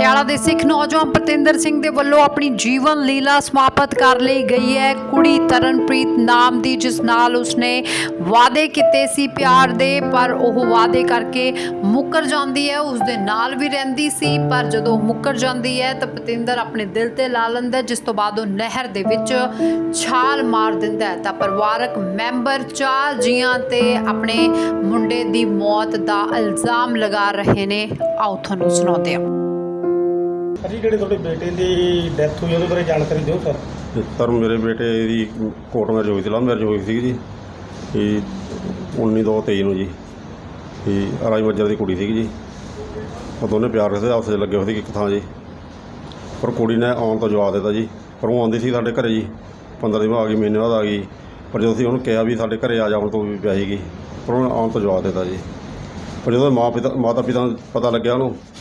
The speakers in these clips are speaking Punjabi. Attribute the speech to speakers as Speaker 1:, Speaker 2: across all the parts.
Speaker 1: ਪਟਿਆਲਾ ਦੇ ਸਿੱਖ ਨੌਜਵਾਨ ਪਤਿੰਦਰ ਸਿੰਘ ਦੇ ਵੱਲੋਂ ਆਪਣੀ ਜੀਵਨ ਲੀਲਾ ਸਮਾਪਤ ਕਰ ਲਈ ਗਈ ਹੈ। ਕੁੜੀ ਤਰਨਪ੍ਰੀਤ ਨਾਮ ਦੀ, ਜਿਸ ਨਾਲ ਉਸਨੇ ਵਾਅਦੇ ਕੀਤੇ ਸੀ ਪਿਆਰ ਦੇ, ਪਰ ਉਹ ਵਾਅਦੇ ਕਰਕੇ ਮੁੱਕਰ ਜਾਂਦੀ ਹੈ। ਉਸ ਦੇ ਨਾਲ ਵੀ ਰਹਿੰਦੀ ਸੀ, ਪਰ ਜਦੋਂ ਮੁੱਕਰ ਜਾਂਦੀ ਹੈ ਤਾਂ ਪਤਿੰਦਰ ਆਪਣੇ ਦਿਲ ਤੇ ਲਾ ਲੈਂਦਾ, ਜਿਸ ਤੋਂ ਬਾਅਦ ਉਹ ਨਹਿਰ ਦੇ ਵਿੱਚ ਛਾਲ ਮਾਰ ਦਿੰਦਾ ਹੈ। ਤਾਂ ਪਰਿਵਾਰਕ ਮੈਂਬਰ 4 ਜੀਆਂ ਤੇ ਆਪਣੇ ਮੁੰਡੇ ਦੀ ਮੌਤ ਦਾ ਇਲਜ਼ਾਮ ਲਗਾ ਰਹੇ ਨੇ। ਆਓ ਤੁਹਾਨੂੰ ਸੁਣਾਉਂਦੇ ਹਾਂ।
Speaker 2: ਜੀ ਜਿਹੜੇ ਤੁਹਾਡੇ ਬੇਟੇ ਦੀ ਡੈਥ ਹੋਈ ਉਹਦੇ ਬਾਰੇ ਜਾਣਕਾਰੀ ਦਿਓ ਸਰ।
Speaker 3: ਸਰ ਮੇਰੇ ਬੇਟੇ ਦੀ ਕੋਰਟ ਮੈਰਿਜ ਹੋਈ ਸੀ, ਲਵ ਮੈਰਿਜ ਹੋਈ ਸੀ ਜੀ। ਇਹ 19/2/23 ਨੂੰ ਜੀ। ਇਹ ਰਾਜ ਮੱਜਰ ਦੀ ਕੁੜੀ ਸੀਗੀ ਜੀ। ਉਹ ਦੋਨੇ ਪਿਆਰ ਕਰਦੇ ਆਪਸ 'ਚ ਲੱਗੇ ਹੋਏ ਸੀ ਇੱਕ ਥਾਂ ਜੀ। ਪਰ ਕੁੜੀ ਨੇ ਆਉਣ ਤੋਂ ਜਵਾਬ ਦਿੱਤਾ ਜੀ। ਪਰ ਉਹ ਆਉਂਦੀ ਸੀ ਸਾਡੇ ਘਰ ਜੀ, 15 ਦਿਨ ਬਾਅਦ ਆ ਗਈ, ਮਹੀਨੇ ਬਾਅਦ ਆ ਗਈ। ਪਰ ਜਦੋਂ ਅਸੀਂ ਉਹਨੂੰ ਕਿਹਾ ਵੀ ਸਾਡੇ ਘਰ ਆ ਜਾਣ ਤੋਂ ਵੀ ਪਿਆ ਸੀਗੀ, ਪਰ ਉਹਨੇ ਆਉਣ ਤੋਂ ਜਵਾਬ ਦਿੱਤਾ ਜੀ। ਪਰ ਜਦੋਂ ਮਾਤਾ ਪਿਤਾ ਨੂੰ ਪਤਾ ਲੱਗਿਆ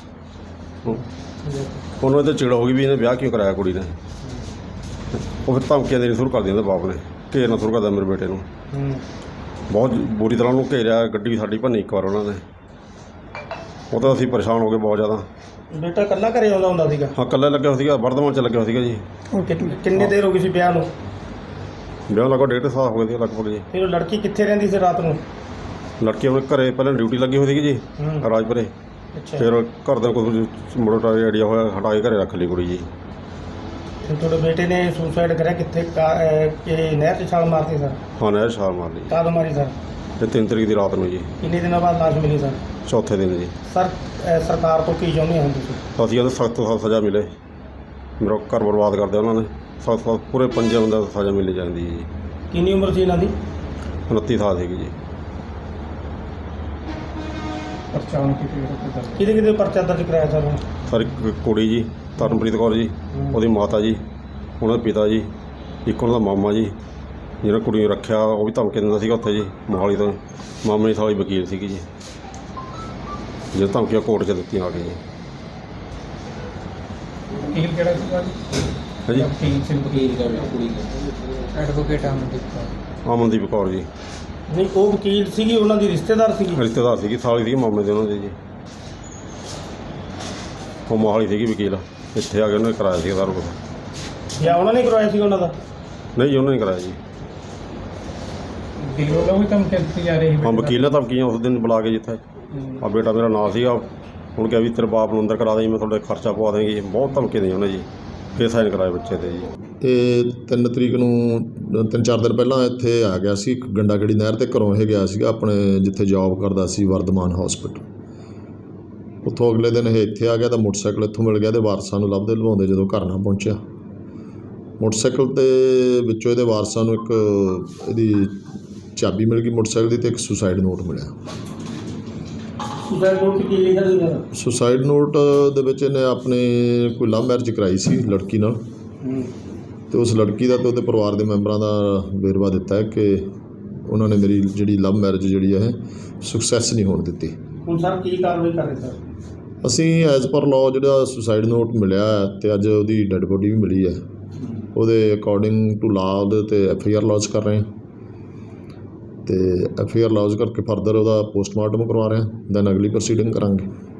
Speaker 3: ਉਹਨੂੰ ਇਹ 'ਤੇ ਚਿੜ ਹੋ ਗਈ ਵੀ ਇਹਨੇ ਵਿਆਹ ਕਿਉਂ ਕਰਾਇਆ ਕੁੜੀ ਨੇ। ਉਹ ਫਿਰ ਧਮਕੀਆਂ ਦੇਣੀ ਸ਼ੁਰੂ ਕਰ ਦਿੰਦੇ ਬਾਪ ਨੇ, ਘੇਰਨਾ ਸ਼ੁਰੂ ਕਰਦਾ ਮੇਰੇ ਬੇਟੇ ਨੂੰ। ਬਹੁਤ ਬੁਰੀ ਤਰ੍ਹਾਂ ਉਹਨੂੰ ਘੇਰਿਆ, ਗੱਡੀ ਸਾਡੀ ਭੰਨੀ ਇੱਕ ਵਾਰ ਉਹਨਾਂ ਨੇ। ਉਹ ਤਾਂ ਅਸੀਂ ਪਰੇਸ਼ਾਨ ਹੋ ਗਏ ਬਹੁਤ ਜ਼ਿਆਦਾ।
Speaker 2: ਬੇਟਾ ਇਕੱਲਾ ਘਰੇ ਆਉਂਦਾ ਹੁੰਦਾ ਸੀਗਾ?
Speaker 3: ਹਾਂ, ਇਕੱਲਾ ਲੱਗਿਆ ਹੋਇਆ ਸੀਗਾ, ਵਰਧਮਾਨ 'ਚ ਲੱਗਿਆ ਹੋਇਆ ਸੀਗਾ ਜੀ।
Speaker 2: ਕਿੰਨੇ ਦੇਰ ਹੋ ਗਈ ਸੀ ਵਿਆਹ ਨੂੰ?
Speaker 3: ਵਿਆਹ ਲਗਭਗ 1.5 ਸਾਲ ਹੋ ਗਏ ਸੀ ਲਗਭਗ ਜੀ।
Speaker 2: ਫਿਰ ਉਹ ਲੜਕੀ ਕਿੱਥੇ ਰਹਿੰਦੀ ਸੀ ਰਾਤ ਨੂੰ?
Speaker 3: ਲੜਕੀ ਆਪਣੇ ਘਰੇ ਪਹਿਲਾਂ ਡਿਊਟੀ ਲੱਗੀ ਹੋਈ ਸੀਗੀ ਜੀ ਰਾਜਪੁਰੇ। ਫਿਰ ਘਰ ਦਾ ਕੋਈ ਮੁੰਡਾ ਆਈਡੀਆ ਹੋਇਆ, ਹਟਾ ਕੇ ਘਰੇ ਰੱਖ ਲਈ ਕੁੜੀ ਜੀ।
Speaker 2: ਫਿਰ ਤੁਹਾਡੇ ਬੇਟੇ ਨੇ ਸੁਸਾਈਡ ਕਰਿਆ ਕਿੱਥੇ? ਕਿ ਨਹਿਰ 'ਚ ਛਾਲ ਮਾਰਤੀ ਸਰ?
Speaker 3: ਹਾਂ, ਨਹਿਰ ਛਾਲ ਮਾਰ ਲਈ।
Speaker 2: ਕਦੋਂ ਮਾਰੀ ਸਰ?
Speaker 3: ਤੇ 3 ਤਰੀਕ ਦੀ ਰਾਤ ਨੂੰ ਜੀ।
Speaker 2: ਕਿੰਨੇ ਦਿਨਾਂ ਬਾਅਦ ਲਾਸ਼ ਮਿਲੀ ਸਰ?
Speaker 3: ਚੌਥੇ ਦਿਨ ਜੀ।
Speaker 2: ਸਰ ਸਰਕਾਰ ਤੋਂ ਕੀ ਚਾਹੁੰਦੇ ਹੋ ਤੁਸੀਂ?
Speaker 3: ਅਸੀਂ ਕਹਿੰਦੇ ਸਖਤ ਤੋਂ ਸਖਤ ਸਜ਼ਾ ਮਿਲੇ। ਮੇਰਾ ਘਰ ਬਰਬਾਦ ਕਰਦੇ ਉਹਨਾਂ ਨੇ। ਸਖਤ ਪੂਰੇ 5 ਬੰਦਿਆਂ ਨੂੰ ਸਜ਼ਾ ਮਿਲਣੀ ਚਾਹੀਦੀ ਹੈ ਜੀ।
Speaker 2: ਕਿੰਨੀ ਉਮਰ ਸੀ ਇਹਨਾਂ ਦੀ?
Speaker 3: 29 ਸਾਲ ਸੀਗੀ ਜੀ।
Speaker 2: ਕਿਹਦੇ ਕਿਹਦੇ ਪਰਚਾ ਦਰਜ ਕਰਾਇਆ ਸਰ?
Speaker 3: ਸਰ ਇੱਕ ਕੁੜੀ ਜੀ, ਤਰਨਪ੍ਰੀਤ ਕੌਰ ਜੀ, ਉਹਦੀ ਮਾਤਾ ਜੀ, ਉਹਨਾਂ ਦੇ ਪਿਤਾ ਜੀ, ਇੱਕ ਉਹਨਾਂ ਦਾ ਮਾਮਾ ਜੀ ਜਿਹੜਾ ਕੁੜੀ ਨੂੰ ਰੱਖਿਆ, ਉਹ ਵੀ ਧਮਕੀ ਦਿੰਦਾ ਸੀਗਾ ਉੱਥੇ ਜੀ ਮੋਹਾਲੀ ਤੋਂ। ਮਾਮੇ ਦੀ ਸਾਲੀ ਵਕੀਲ ਸੀਗੀ ਜੀ, ਜਿਹੜੇ ਧਮਕੀਆਂ ਕੋਰਟ 'ਚ ਦਿੱਤੀਆਂ ਆ ਕੇ ਜੀ।
Speaker 2: ਵਕੀਲ ਕਿਹੜਾ ਸੀਗਾ ਜੀ?
Speaker 3: ਹੈ ਜੀ,
Speaker 2: ਵਕੀਲ ਦਾ ਕੁੜੀ ਦਾ ਐਡਵੋਕੇਟ
Speaker 3: ਅਮਨਦੀਪ ਕੌਰ ਜੀ।
Speaker 2: ਨਹੀਂ, ਉਹ ਵਕੀਲ ਸੀਗੀ, ਉਹਨਾਂ ਦੀ ਰਿਸ਼ਤੇਦਾਰ ਸੀਗੀ?
Speaker 3: ਰਿਸ਼ਤੇਦਾਰ ਸੀਗੀ, ਸਾਲੀ ਸੀਗੀ ਮਾਮੇ ਦੇ ਉਹਨਾਂ ਦੇ ਜੀ। ਉਹ ਮੋਹਾਲੀ ਸੀਗੀ ਵਕੀਲ, ਇੱਥੇ ਆ ਕੇ ਉਹਨੇ ਕਰਾਇਆ ਸੀ ਸਾਰਾ ਕੁਛ।
Speaker 2: ਜਾਂ ਉਹਨਾਂ ਨੇ ਕਰਵਾਇਆ ਸੀ ਉਹਨਾਂ ਦਾ?
Speaker 3: ਨਹੀਂ ਜੀ, ਉਹਨਾਂ ਨੇ ਕਰਾਇਆ ਜੀ।
Speaker 2: ਵਕੀਲ ਵੱਲੋਂ ਵੀ ਧਮਕੀ ਦਿੱਤੀ ਜਾ ਰਹੀ ਹੈ?
Speaker 3: ਹਾਂ, ਵਕੀਲ ਨੇ ਧਮਕੀਆਂ ਉਸ ਦਿਨ ਬੁਲਾ ਕੇ ਜਿੱਥੇ ਆ ਬੇਟਾ ਮੇਰਾ ਨਾਂ ਸੀਗਾ, ਹੁਣ ਕਿਹਾ ਵੀ ਤੇਰੇ ਬਾਪ ਨੂੰ ਅੰਦਰ ਕਰਾ ਦੇਂ, ਮੈਂ ਤੁਹਾਡੇ ਖਰਚਾ ਪਵਾ ਦੇਂਗੀ। ਬਹੁਤ ਧਮਕੀ ਦੇਈ ਉਹਨੇ ਜੀ। ਫਿਰ ਸਾਈਨ ਕਰਾਏ ਬੱਚੇ 'ਤੇ ਜੀ।
Speaker 4: ਇਹ 3 ਤਰੀਕ ਨੂੰ 3-4 ਦਿਨ ਪਹਿਲਾਂ ਇੱਥੇ ਆ ਗਿਆ ਸੀ ਗੰਡਾਗੜੀ ਨਹਿਰ 'ਤੇ। ਘਰੋਂ ਇਹ ਗਿਆ ਸੀਗਾ ਆਪਣੇ ਜਿੱਥੇ ਜੌਬ ਕਰਦਾ ਸੀ, ਵਰਧਮਾਨ ਹੌਸਪੀਟਲ। ਉੱਥੋਂ ਅਗਲੇ ਦਿਨ ਇਹ ਇੱਥੇ ਆ ਗਿਆ ਤਾਂ ਮੋਟਰਸਾਈਕਲ ਇੱਥੋਂ ਮਿਲ ਗਿਆ। ਇਹਦੇ ਵਾਰਸਾਂ ਨੂੰ ਲੱਭਦੇ ਲਵਾਉਂਦੇ ਜਦੋਂ ਘਰ ਨਾ ਪਹੁੰਚਿਆ, ਮੋਟਰਸਾਈਕਲ ਦੇ ਵਿੱਚੋਂ ਇਹਦੇ ਵਾਰਸਾਂ ਨੂੰ ਇੱਕ ਇਹਦੀ ਚਾਬੀ ਮਿਲ ਗਈ ਮੋਟਰਸਾਈਕਲ ਦੀ, ਅਤੇ ਇੱਕ ਸੁਸਾਈਡ ਨੋਟ ਮਿਲਿਆ।
Speaker 2: ਸੁਸਾਈਡ ਨੋਟ ਕੀ ਲਿਖਿਆ ਸੀਗਾ?
Speaker 4: ਸੁਸਾਈਡ ਨੋਟ ਦੇ ਵਿੱਚ ਇਹਨੇ ਆਪਣੇ ਕੋਈ ਲਵ ਮੈਰਿਜ ਕਰਾਈ ਸੀ ਲੜਕੀ ਨਾਲ, ਅਤੇ ਉਸ ਲੜਕੀ ਦਾ ਅਤੇ ਉਹਦੇ ਪਰਿਵਾਰ ਦੇ ਮੈਂਬਰਾਂ ਦਾ ਵੇਰਵਾ ਦਿੱਤਾ ਹੈ ਕਿ ਉਹਨਾਂ ਨੇ ਮੇਰੀ ਜਿਹੜੀ ਲਵ ਮੈਰਿਜ ਜਿਹੜੀ ਹੈ ਸਕਸੈਸ ਨਹੀਂ ਹੋਣ ਦਿੱਤੀ।
Speaker 2: ਹੁਣ ਸਰ ਕੀ ਕਾਰਵਾਈ ਕਰ ਰਹੇ ਸਰ?
Speaker 4: ਅਸੀਂ ਐਜ਼ ਪਰ ਲਾਅ ਜਿਹੜਾ ਸੁਸਾਈਡ ਨੋਟ ਮਿਲਿਆ ਅਤੇ ਅੱਜ ਉਹਦੀ ਡੈੱਡ ਬੋਡੀ ਵੀ ਮਿਲੀ ਹੈ, ਉਹਦੇ ਅਕੋਰਡਿੰਗ ਟੂ ਲਾਅ ਉਹਦੇ 'ਤੇ FIR ਲੌਜ ਕਰ ਰਹੇ ਹਾਂ। ਅਤੇ FIR ਲੌਜ ਕਰਕੇ ਫਰਦਰ ਉਹਦਾ ਪੋਸਟਮਾਰਟਮ ਕਰਵਾ ਰਹੇ ਹਾਂ, ਦੈਨ ਅਗਲੀ ਪ੍ਰੋਸੀਡਿੰਗ ਕਰਾਂਗੇ।